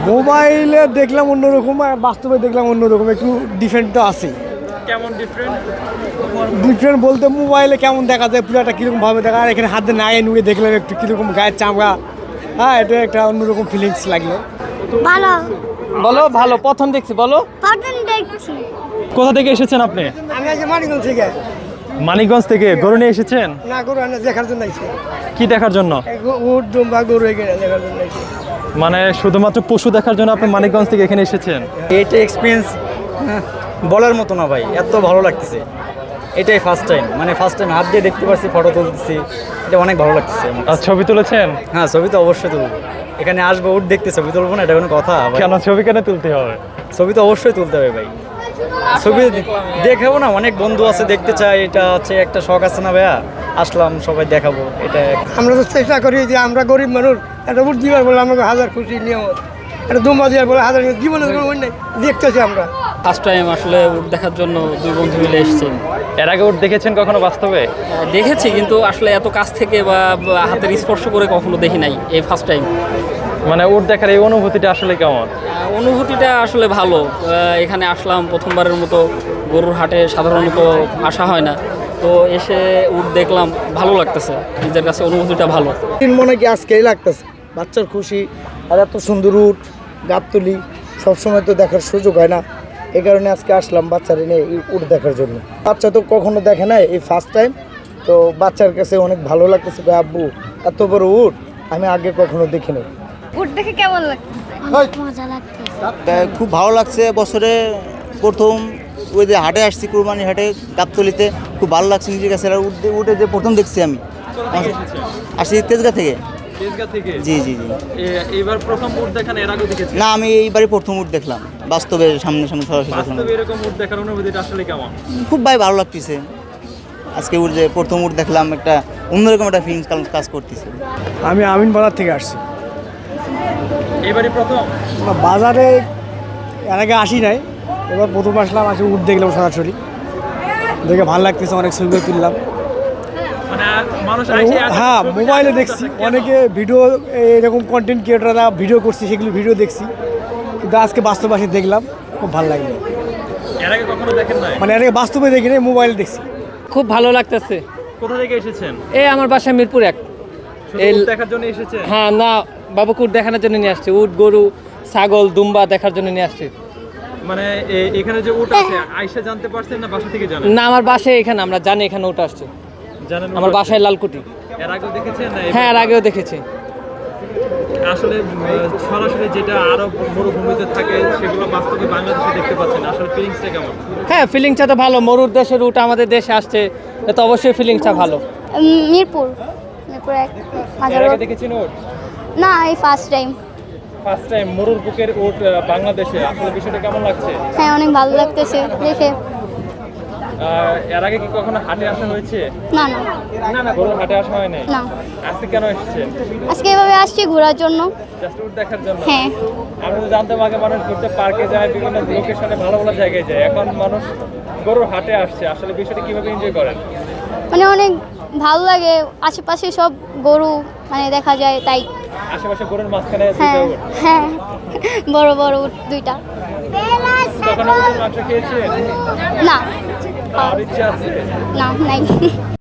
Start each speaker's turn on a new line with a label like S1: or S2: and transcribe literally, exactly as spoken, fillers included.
S1: মোবাইলে দেখলাম অন্যরকম আর বাস্তবে দেখলাম অন্যরকম, একটু ডিফারেন্ট তো আছে।
S2: কেমন ডিফারেন্ট?
S1: ডিফারেন্ট বলতে মোবাইলে কেমন দেখা যায় পুরোটা কীরকম ভাবে দেখা, আর এখানে হাতে নায়ে নুয়ে দেখলাম একটু কীরকম গায়ের চামড়া। হ্যাঁ, এটা একটা অন্যরকম ফিলিংস লাগলো।
S3: ভালো।
S2: বলো ভালো, প্রথম দেখছি বলো।
S3: প্রথম দেখছি।
S2: কোথা থেকে এসেছেন আপনি?
S1: আমি আজ মানিকগঞ্জ থেকে।
S2: মানিকগঞ্জ থেকে গরু নিয়ে এসেছেন?
S1: না, গরু আনা দেখার জন্য আইছি।
S2: কি দেখার জন্য?
S1: উট দুম্বা গরু এখানে দেখার জন্য আইছি।
S2: মানে শুধুমাত্র পশু দেখার জন্য আপনি মানিকগঞ্জ থেকে এখানে এসেছেন?
S4: এইটা এক্সপিরিয়েন্স বলার মতো না ভাই, এত ভালো লাগতেছে। এটাই ফার্স্ট টাইম, মানে ফার্স্ট টাইম হাত দিয়ে দেখতে পাচ্ছি, ফটো তুলতেছি, এটা অনেক ভালো লাগতেছে।
S2: আর ছবি তুলেছেন?
S4: হ্যাঁ, ছবি তো অবশ্যই তুলবো। এখানে আসবো, উঠ দেখতে ছবি তুলবো না, এটা কোনো কথা ভাই?
S2: কেন ছবি কেন তুলতে হবে?
S4: ছবি তো অবশ্যই তুলতে হবে ভাই। ছবি দেখাবো না, অনেক বন্ধু আছে দেখতে চাই, এটা হচ্ছে একটা শখ আছে না ভাইয়া, আসলাম সবাই দেখাবো। এটা
S1: আমরা তো চেষ্টা করি যে আমরা গরিব মানুষ, একটা উট দিবার বলে আমাকে হাজার খুশি নিয়মত, একটা দুম্বা দিবার বলে হাজার, জীবনে কোনো অন্য দেখতেছি আমরা।
S5: ফার্স্ট টাইম আসলে উট দেখার জন্য দুই বন্ধু মিলে এসেছি।
S2: এর আগে উট দেখেছেন কখনো বাস্তবে?
S5: দেখেছি, কিন্তু আসলে এত কাছ থেকে বা বা হাতের স্পর্শ করে কখনো দেখি নাই, এই ফার্স্ট টাইম।
S2: মানে উট দেখার এই অনুভূতিটা আসলে কেমন?
S5: অনুভূতিটা আসলে ভালো। আহ, এখানে আসলাম প্রথমবারের মতো, গরুর হাটে সাধারণত আসা হয় না, তো এসে উট দেখলাম, ভালো লাগতেছে, নিজের কাছে অনুভূতিটা ভালো।
S1: তিন মনে কি আজকেই লাগতেছে, বাচ্চার খুশি, আর এত সুন্দর উট গাবতলি সবসময় তো দেখার সুযোগ হয় না, এই কারণে আজকে আসলাম বাচ্চারা নিয়ে এই উট দেখার জন্য। বাচ্চা তো কখনো দেখে নাই, এই ফার্স্ট টাইম, তো বাচ্চার কাছে অনেক ভালো লাগতেছে। আব্বু, এত বড় উট আমি আগে কখনো দেখিনি।
S3: উট দেখে কেমন লাগছে? মজা লাগছে।
S6: খুব ভালো লাগছে। বছরে প্রথম ওই যে হাটে আসছি, কুরবানি হাটে গাবতলিতে, খুব ভালো লাগছে নিজের কাছে। আর উঠে উঠে যে প্রথম দেখছি আমি, আসছি তেজগাঁ থেকে।
S2: তেজগাঁ থেকে?
S6: জি জি জি।
S2: এবার প্রথম উট দেখান, এর আগে দেখেছেন?
S6: না, আমি এইবারই প্রথম উঠ দেখলাম, বাস্তবে সামনে সামনে সরাসরি দেখলাম।
S2: বাস্তবে এরকম উট দেখার অনুভূতিটা আসলে কেমন?
S6: খুব ভাই ভালো লাগতেছে। আজকে উঠ যে প্রথম উঠ দেখলাম, একটা অন্যরকম একটা ফিলিংস কাজ করতেছে।
S1: আমি আমিন বাজার থেকে আসছি।
S2: এবারই প্রথম?
S1: বাজারে এর আগে আসি নাই, এবার প্রথম আসলাম, আসে উট দেখলাম সরাসরি, দেখে ভালো লাগতেছে, অনেক ছবি তুললাম।
S2: মানে মানুষ আইসে এত
S1: হ্যাঁ,
S2: ছবি
S1: মোবাইলে
S2: তুলতেছে,
S1: দেখছি
S2: কেন?
S1: অনেকে ভিডিও, এরকম কন্টেন্ট ক্রিয়েটাররা ভিডিও করছে, সেগুলো ভিডিও দেখছি, কিন্তু আজকে বাস্তবে আসে দেখলাম, খুব ভালো লাগলো।
S2: এর আগে কখনো দেখেন নাই?
S1: মানে এর আগে বাস্তবে দেখি নাই, মোবাইলে দেখছি।
S5: খুব ভালো লাগতেছে।
S2: কোথা থেকে এসেছেন?
S5: এই আমার বাসা মিরপুর এক।
S2: শুধু
S5: এই-
S2: উট দেখার জন্য এসেছেন?
S5: হ্যাঁ, না, বাবুকে উট দেখানোর জন্য নিয়ে আসছে, উট, গরু, ছাগল, দুম্বা দেখার জন্য নিয়ে আসছে।
S2: মানে এ- এখানে যে উট আছে, আইসা জানতে পারছেন না বাসা থেকে জানেন?
S5: না, আমার বাসায় এখানে, আমরা জানি এখানে উট আসছে।
S2: জানেন উট
S5: আমার
S2: আছে?
S5: বাসায় লালকুটি।
S2: এর আগেও দেখেছেন না?
S5: হ্যাঁ, এর আগেও দেখেছি।
S2: আসলে উম, সরাসরি যেটা আরব মরুভূমিতে থাকে, সেগুলো বাস্তবে বাংলাদেশে দেখতে পাচ্ছেন, আসলে ফিলিংসটা কেমন?
S5: হ্যাঁ, ফিলিংসটা তো ভালো। মরুর দেশের উট আমাদের দেশে আসছে, তো অবশ্যই ফিলিংসটা ভালো।
S3: উম, মিরপুর মিরপুর এক হাজার।
S2: এর আগে দেখেছেন উট?
S3: না, এই ফার্স্ট টাইম।
S2: ফার্স্ট টাইম মরুর বুকের উট আহ, বাংলাদেশে, আসলে বিষয়টা কেমন লাগছে?
S3: হ্যাঁ, অনেক ভালো লাগতেছে দেখে।
S2: আহ, এর আগে কি কখনো হাটে আসা হয়েছে?
S3: না না
S2: না না, গরুর হাটে আসা হয় নাই।
S3: না,
S2: আজকে কেন এসেছেন?
S3: আজকে এভাবে আসছি ঘোরার জন্য।
S2: জাস্ট উট দেখার জন্য?
S3: হ্যাঁ।
S2: আমরা তো জানতাম আগে মানুষ ঘুরতে পার্কে যায়, বিভিন্ন লোকেশনে ভালো ভালো জায়গায় যায়, এখন মানুষ গরুর হাটে আসছে, আসলে বিষয়টা কিভাবে এনজয় করেন?
S3: মানে অনেক ভালো লাগে, আশেপাশে সব গরু মানে দেখা যায়, তাই।
S2: আশেপাশে গরুর মাঝখানে
S3: হ্যাঁ
S2: দুইটা উট।
S3: হ্যাঁ, বড় বড় উট দুইটা।
S2: কখনো উটের মাংস খেয়েছেন?
S3: না,
S2: আর ইচ্ছা আছে?
S3: না নাই।